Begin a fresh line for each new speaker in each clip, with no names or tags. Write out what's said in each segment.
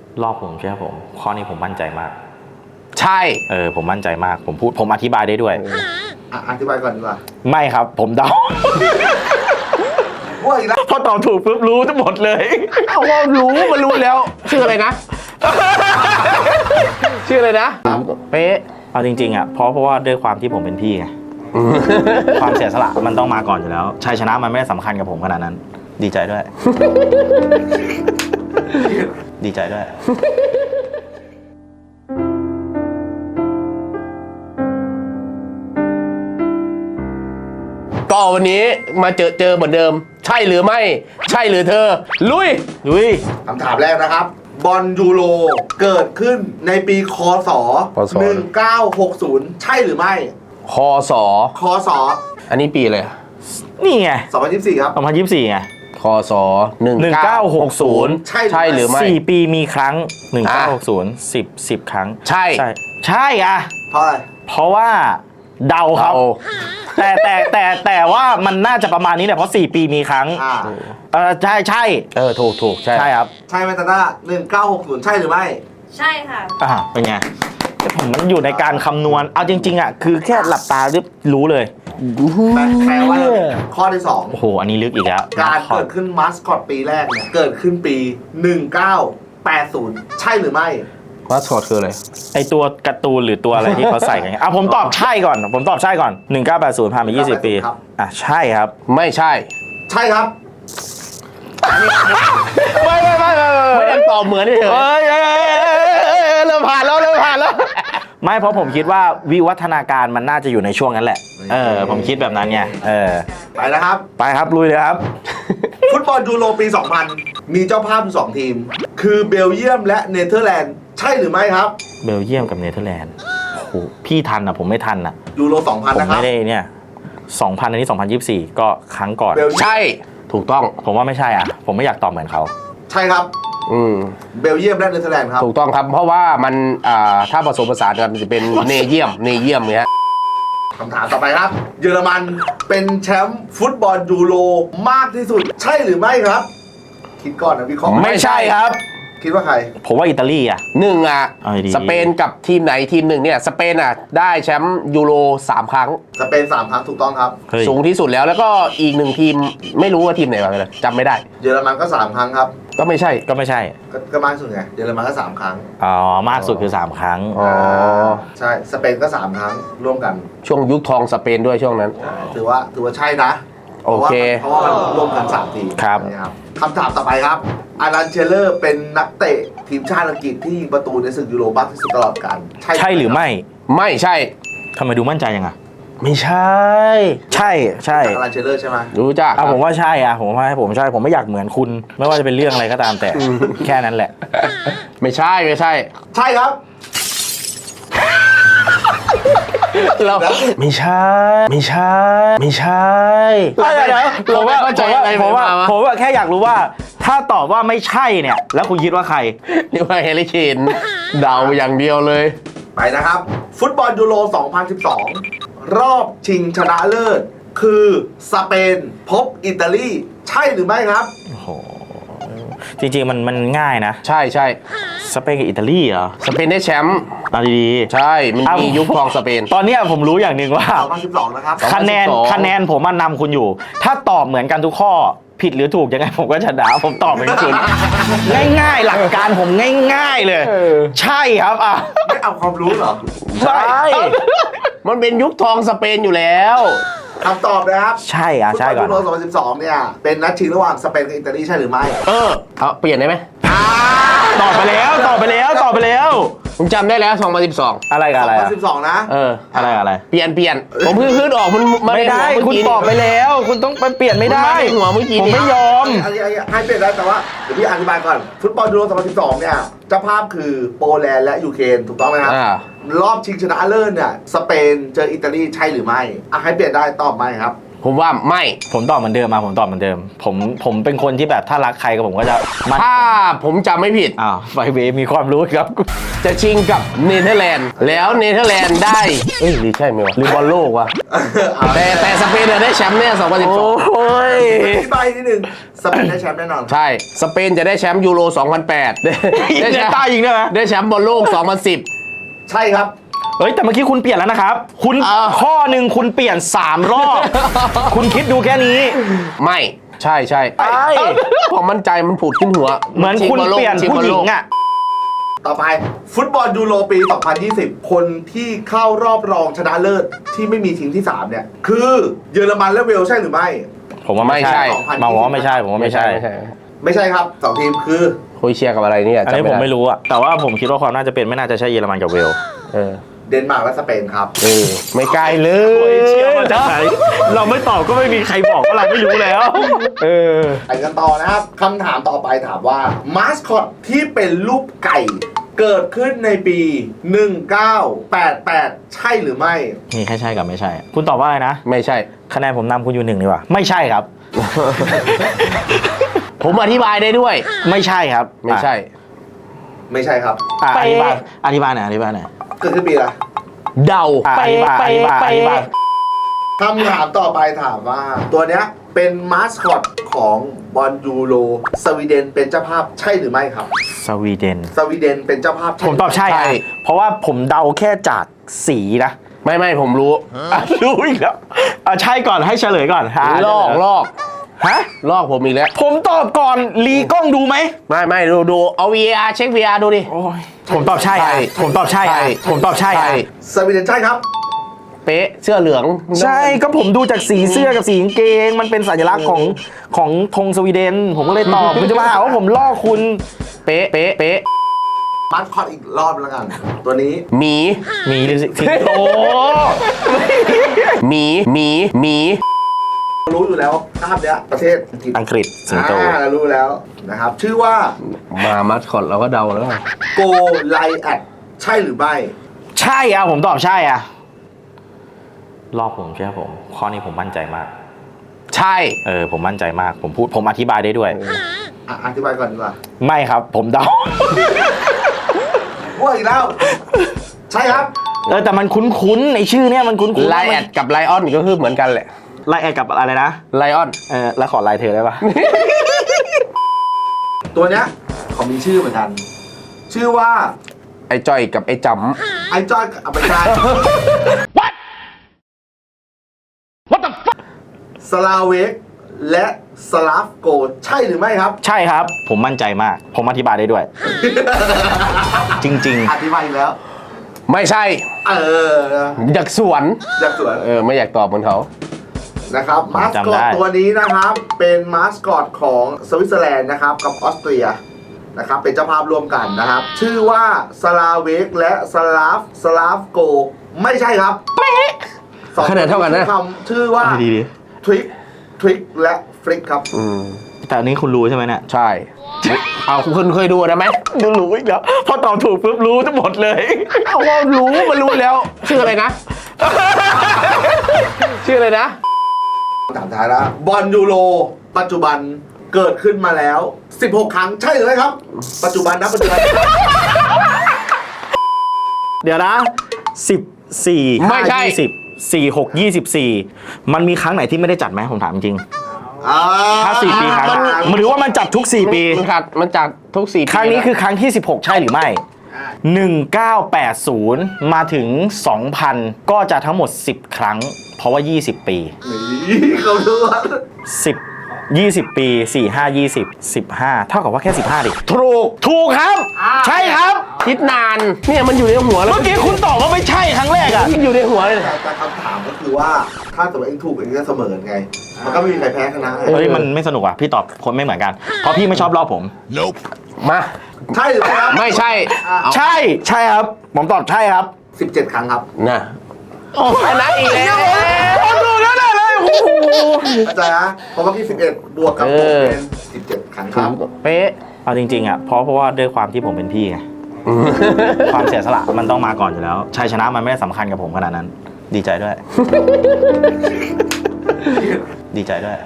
รอบผมใช่ไหมผมข้อนี้ผมมั่นใจมาก
ใช่
ผมมั่นใจมากผมอธิบายได้ด้วย
อธิบายก่อนดีกว่า
ไม่ครับผมเดา
ว่าอีกแล้ว
พอตอบถูกปุ๊บรู้ทั้งหมดเลย
เอาว่ารู้มันรู้แล้ว ชื่ออะไรนะ ชื่ออะไรนะเป๊ะ
เอาจริงๆอ่ะเพราะว่าด้วยความที่ผมเป็นพี่ไง ความเสียสละมันต้องมาก่อนอยู่แล้วชัยชนะมันไม่ได้สำคัญกับผมขนาดนั้น ดีใจด้วย ดีใจด้วย
ก็วันนี้มาเจอเหมือนเดิม ใช่หรือไม่ ใช่หรือเธอ ลุย
คำถามแรกนะครับ บอลยูโรเกิดขึ้นในปีคศ 1960 ใช่หรือไม่
คอสอ
คศ
อันนี้ปีเลย
นี่ไง
2024 ครับ
2024ไง
คอสอ1960 ใช่หรือไม่
4 ปีมีครั้ง 1960 10 ครั้ง
ใช่
ใช่อะ
เพราะอะไร
เพราะว่าเดาครับ แต่ว่ามันน่าจะประมาณนี้แหละเพราะ 4 ปีมีครั้ง ใช่
ถูกใช่
ใช่ครับ
ใช่ไหมตาต้า1960 ใช่หรือไม่
ใช่ค่ะ
เป็นไงผมมันอยู่ในการคำนวณเอาจริงๆอ่ะคือแค่หลับตารู้เลย
แปลว่าข้อที่
โอ้โหอันนี้ลึกอีกแล้ว
2 การเกิดขึ้นมาสคอตปีแรกเนี่ย เกิดขึ้นปี 1980 ใช่หรือไม่
มาสคอตคืออะไร
ไอตัวการ์ตูนหรือตัวอะไรที่เขาใส่กันผมตอบใช่ก่อน1980ผ่านไป20 ปีใช่ครับ
ไม่ใช่
ใช่ครับ
ไม่ได้ตอบเหมือนเฉยเริ่มผ่านแล้ว
ไม่เพราะผมคิดว่าวิวัฒนาการมันน่าจะอยู่ในช่วงนั้นแหละผมคิดแบบนั้นไง
ไปนะครับ
ไปครับลุยเลยครับ
ฟุตบอลยูโรปี 2000 มีเจ้าภาพอยู่2ทีม คือเบลเยียมและเนเธอร์แลนด์ ใช่หรือไม่ครับ
เบลเยียมกับเนเธอร์แลนด์โอ้โหพี่ทันอ่ะผมไม่ทันอ่ะ
ยูโร
ผ
2000
ม
นะครับ
ไม่ได้เนี่ย2000อันนี้2024ก็ครั้งก่อน
เบลเยียม
ใช่ถูกต้อง
ผมว่าไม่ใช่อ่ะผมไม่อยากตอบเหมือนเขา
ใช่ครับ เบลเยียมและเนเธอร์แลนด์ครับ
ถูกต้องครับ เพราะว่ามันถ้าผสมผสานกันมันจะเป็นเนเยียมเนี่ย
คำถามต่อไปครับ เยอรมันเป็นแชมป์ฟุตบอลยูโรมากที่สุด ใช่หรือไม่ครับ คิดก่อนนะวิเคราะห์
ไม่ใช่ครับ
คิดว่าใคร
ผมว่าอิตาลีอ่ะ
เอาดี สเปนกับทีมไหนทีมหนึ่งเนี่ยสเปนได้แชมป์ยูโร3 ครั้ง
สเปน3 ครั้งถูกต้องครับ
เฮ้ย
สูงที่สุดแล้วก็อีก1 ทีมไม่รู้ว่าทีมไหนบ้างเลยจำไม่ได้
เยอรมันก็3 ครั้งครับ
ก็ไม่ใช่
ก็ไม่ใช่
ก็มากสุดไง เยอรมันก็3 ครั้ง
มากสุดคือ3 ครั้ง
อ๋อ
ใช่ สเปนก็3 ครั้งร่วมกัน
ช่วงยุคทองสเปนด้วยช่วงนั้น
ถือว่าใช่นะ
โอเค
เพราะว่ามันร่วมกัน3 ทีม
ครับ
นะครับคำถามต่อไปครับอารันเชลเลอร์เป็นนักเตะทีมชาติอังกฤษที่ยิงประตูในศึกยูโรมากที่สุดตลอดกาล
ใช่หรือไม่
ไม่ใช่
ทำไมดูมั่นใจยังอ่ะ
ไม่ใช่
ใช่
จากอารันเชลเลอร์ใช่ไหม
รู้จัก
ผมว่าใช่ผมใช่ผมไม่อยากเหมือนคุณ ไม่ว่าจะเป็นเรื่องอะไรก็ตามแต่แค่นั้นแหละ
ไม่ใช่
ใช่ครับ
เราไม่ใช่
เดี๋ยวผมว่าแค่อยากรู้ว่า ถ้าตอบว่าไม่ใช่เนี่ย แล้วคุณคิดว่าใคร
นี่ว่าเฮลิเคนเดาอย่างเดียวเลย
ไปนะครับ ฟุตบอลยูโร 2012 รอบชิงชนะเลิศ คือสเปนพบอิตาลี ใช่หรือไม่ครับ
โอ้โหจริงๆมันง่ายนะ
ใช่
สเปนกับอิตาลีเหรอ
สเปนได้แชมป์
เอาดีๆ
ใช่ มันมียุคทองสเปน
ตอนเนี้ยผมรู้อย่างหนึ่งว่า
2012 นะครับ
คะแนนผมนำคุณอยู่ ถ้าตอบเหมือนกันทุกข้อผิดหรือถูกยังไงผมก็ชนะผมตอบเหมือนคุณ ง่ายๆ หลักการผมง่ายๆเลย ใช่ครับ
ไม่เอาความรู้เหรอ
ใช่ มันเป็นยุคทองสเปนอยู่แล้ว
คำตอบนะครับ
ใช่
ฟุต
ใช่
บอล
ก่อน
ยูโร 2012 เนี่ย เป็นนัดชิงระหว่างสเปนกับอิตาลีใช่หรือไม่
เอาเปลี่ยนได้ไหม
ตอบไปแล้ว
ผมจำได้แล้ว2012
อะไรกับอะไรอะ
2012 นะ
อะไร
เปลี่ยน ผมเพิ่งขึ้นออกมัน
ไม่ได้คุณตอบไปแล้ว คุณต้องไปเปลี่ยนไม่ได้
ในหัวเมื่อกี้
ผมไม่ยอม
อันนี้ให้เปลี่ยนได้แต่ว่าเดี๋ยวพี่อธิบายก่อน ฟุตบอลยูโร 2012 เนี่ย เจ้าภาพคือโปแลนด์และยูเครนถูกต้องไหมครับ รอบชิงชนะเลิศเนี่ย สเปนเจออิตาลีใช่หรือไม่ให้เปลี่ยนได้ตอบไม่ครับ
ผมว่าไม่
ผมตอบเหมือนเดิมมาผมตอบเหมือนเดิม ผมเป็นคนที่แบบถ้ารักใครก็ผมก็จะมั่น
ถ้าผมจำไม่ผิด
อ้าวไฟเวย์มีความรู้ครับ
จะชิงกับเนเธอร์แลนด์แล้วเนเธอร์แลนด์ได้เอ้ยหรือใช่ไหมวะหรือบอลโลกวะแต่สเปนเนี่ยได้แชมป์แน่2012
โอ้ย
อธิบายนิดนึงสเปนได้แชมป์แน่นอน
ใช่สเปนจะได้แชมป์ยูโร 2008 ได้แชมป์
ใต้ยิงได้ไหม
ได้แชมป์บอลโลก 2010
ใช่ครับ
เฮ้ยแต่เมื่อกี้คุณเปลี่ยนแล้วนะครับ คุณ ข้อหนึ่งคุณเปลี่ยน3 รอบ คุณคิดดูแค่นี้
ไม่ใช่ใช่
ใช่
ความมั่นใจมันผุดขึ้นหัว
เหมือนคุณเปลี่ยนผู้หญิงอ่ะ
ต่อไปฟุตบอลยูโรปี 2020 คนที่เข้ารอบรองชนะเลิศที่ไม่มีทีมที่ 3 เนี่ย คือเยอรมันและเวลส์ใช่หรือไม่
ผมว่าไม่ใช่
2020
มาบอกว่าไม่ใช่ผมว่าไม่ใช่
ไม่ใช่ครับ 2 ทีมคือ
โครเอเชียกับอะไรเนี่ย
อันนี้ผมไม่รู้อะแต่ว่าผมคิดว่าความน่าจะเป็นไม่น่าจะใช่เยอรมันกับเวลส์
เออ
เดนมาร์กและสเปนครับ
ไม่ไกลเล
โอ้ย
ย
เชื่อมาจากไหนเราไม่ตอบก็ไม่มีใครบอกว่าเราไม่รู้แล้ว
เออ
ไปกันต่อนะครับคำถามต่อไปถามว่ามาสคอตที่เป็นรูปไก่ เกิดขึ้นในปี 1988 ใช่หรือไม่
มีแค่ใช่กับไม่ใช่ คุณตอบว่าอะไรนะ
ไม่ใช่
คะแนนผมนำคุณอยู่1ดีกว่าไม่ใช่ครับ
ผมอธิบายได้ด้วย
ไม่ใช่ครับ
ไม่ใช่
ไม่ใช่ครับ
อ่ะอธิบายอธิบายหน่อยอธิบายหน่อย
เกิดขึ้นปีอะไร
เดา
อ่ะอธิบายอธิบายอธิบาย
คำถามต่อไปถามว่า ตัวเนี้ยเป็นมาสคอตของบอลยูโรสวีเดนเป็นเจ้าภาพใช่หรือไม่ครับ
สวีเดน
สวีเดนเป็นเจ้าภาพ
ผมตอบใช่
ใช่
อะเพราะว่าผมเดาแค่จากสีนะ
ไม่ผมรู้
อ่ะรู้อีกแล้วอ่ะใช่ก่อนให้เฉลยก่อนฮะ
ลอก
ฮะ
ลอกผมอีกแล้ว
ผมตอบก่อนรีกล้องดูไหม
ไม่ดูเอา VAR เช็ค VAR ดูดิ
ผมตอบใช่อะผมตอบใช่อะผมตอบใช่อะ
สวีเดนใช่ครับ
เป๊ะเสื้อเหลือง
ใช่ก็ผมดูจากสีเสื้อกับสีกางเกง มันเป็นสัญลักษณ์ของธงสวีเดน ผมก็เลยตอบ คุณจะมาหาว่าผมลอกคุณ
เป๊ะ
มาสคอตอีกรอบแล้วกัน ตัวนี้
หมี
มีหรือสิงโต
หมี
รู้อยู่แล้วภาพเนี้ยประเทศ
อังกฤษสิงโต
เรารู้แล้วนะครับ ชื่อว่า
มามัสคอตเราก็เดาแล้ว
โกไลแอดใช่หรือไม่
ใช่อะผมตอบใช่อะลอกผมใช่ไหมผม ข้อนี้ผมมั่นใจมาก
ใช่
ผมมั่นใจมาก ผมอธิบายได้ด้วย
อธิบายก่อนดีกว่า
ไม่ครับ ผมเดา
ว่าอีกแล้ว ใช่ครับ
แต่มันคุ้นๆในชื่อเนี่ยมันคุ้นๆ
ไลแอดกับไลออนก็คือเหมือนกันแหละ
ไลแอดกับอะไรนะ
ไลออน
แล้วขอไลน์เธอได้ปะ
ตัวเนี้ยเขามีชื่อเหมือนกัน ชื่อว่า
ไอ้จ้อยกับไอ้จ
ไอจอยกับไม่ใช่
What the fuck
สลาเวกและสลาฟโกใช่หรือไม่ครับ
ใช่ครับ ผมมั่นใจมาก ผมอธิบายได้ด้วย จริง
อธิบายอีกแล้ว
ำไม่ใช่
อ
อยากสวน
อยากสวน
ไม่อยากตอบเหมือนเขา
นะครับมาส
จำ
คอ
ได้
ตตัวนี้นะครับ เป็นมาสคอตของสวิตเซอร์แลนด์นะครับ กับออสเตรียนะครับ เป็นเจ้าภาพร่วมกันนะครับ ชื่อว่าสลาเวกและสลาฟโกไม่ใช่ครับสอง
คะแนนเท่ากันนะ
คำชื่อว่า
ดี
ทริกและฟลิกครับ
ๆแต่อันนี้คุณรู้ใช่ไหมเนี่ย
ใช่ เอาคุณเคยดูนะไหม
รู้อีกแล้วพอตอบถูกปุ๊บรู้ทั้งหมดเลย
เอาว่ารู้มันรู้แล้ว ชื่ออะไรนะ ชื่ออะไรนะ
ถามท้ายแล้วบอลยูโรปัจจุบันเกิดขึ้นมาแล้ว 16 ครั้งใช่หรือไม่ครับ ปัจจุบันนะปัจจุบัน
เดี๋ยวนะ14
ไม่ใช่
20 4 6 24 มันมีครั้งไหนที่ไม่ได้จัดไหมผมถามจริง ถ้า 4 ปีครั้งมันหรือว่ามันจัดทุก 4 ปี
มันจากทุก4 ปี
ครั้งนี้คือครั้งที่ 16 ใช่หรือไม่ 1980 มาถึง 2000 ก็จะทั้งหมด 10 ครั้ง เพราะว่า 20 ปี
นี่เขาดูว่า
20 ปี 4 5 20 15 เท่ากับว่าแค่ 15 ดิ ถูกครับ ใช่ครับ
คิดนาน เนี่ยมันอยู่ในหัวแล้ว
เมื่อกี้คุณตอบว่าไม่ใช่ครั้งแรกอะ
อยู่ในหัวเลย
แต่คำถามก็คือว่าถ้าสมมติเองถูกเองก็เสมอไง มันก็ไม่มีใครแพ้ชนะ
เฮ้ยมันไม่สนุกอ่ะ พี่ตอบคนไม่เหมือนกัน เพราะพี่ไม่ชอบรอบผม
มา
ใช่หรือไม่ครับ
ไม่ใช่
ใช่ครับ ผมตอบใช่ครับ
17 ครั้งครับ
น่ะชนะอีกแล้ว
ผมดูแล้วเลย
เข้าใจนะเพราะเมื่อกี้11 บวกกับผมเป็น 17 ครั้งครับ
เป๊ะ
เอาจริงๆอ่ะเพราะว่าด้วยความที่ผมเป็นพี่ไง ความเสียสละมันต้องมาก่อนอยู่แล้ว ชัยชนะมันไม่ได้สำคัญกับผมขนาดนั้น ดีใจด้วยดีใจด้วย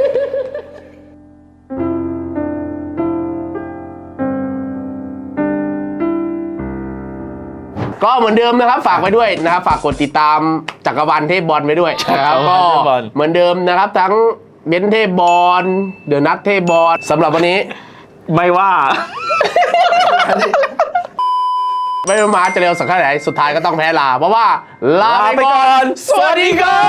ก็เหมือนเดิมนะครับฝากไว้ด้วยนะครับฝากกดติดตามจักรวาลเทพบอลไว้ด้วยนะครับ
จักร
ก็
วาลเทพบอล
เหมือนเดิมนะครับทั้งเบนซ์เทพบอลเดอะนัทเทพบอลสำหรับวันนี้
ไม่ว่า
ไม่มาจะเร็วสักแค่ไหนสุดท้ายก็ต้องแพ้ลาเพราะว่าลาไป
ลาไปก่
ก่อ
อน น
สวัสดีครับ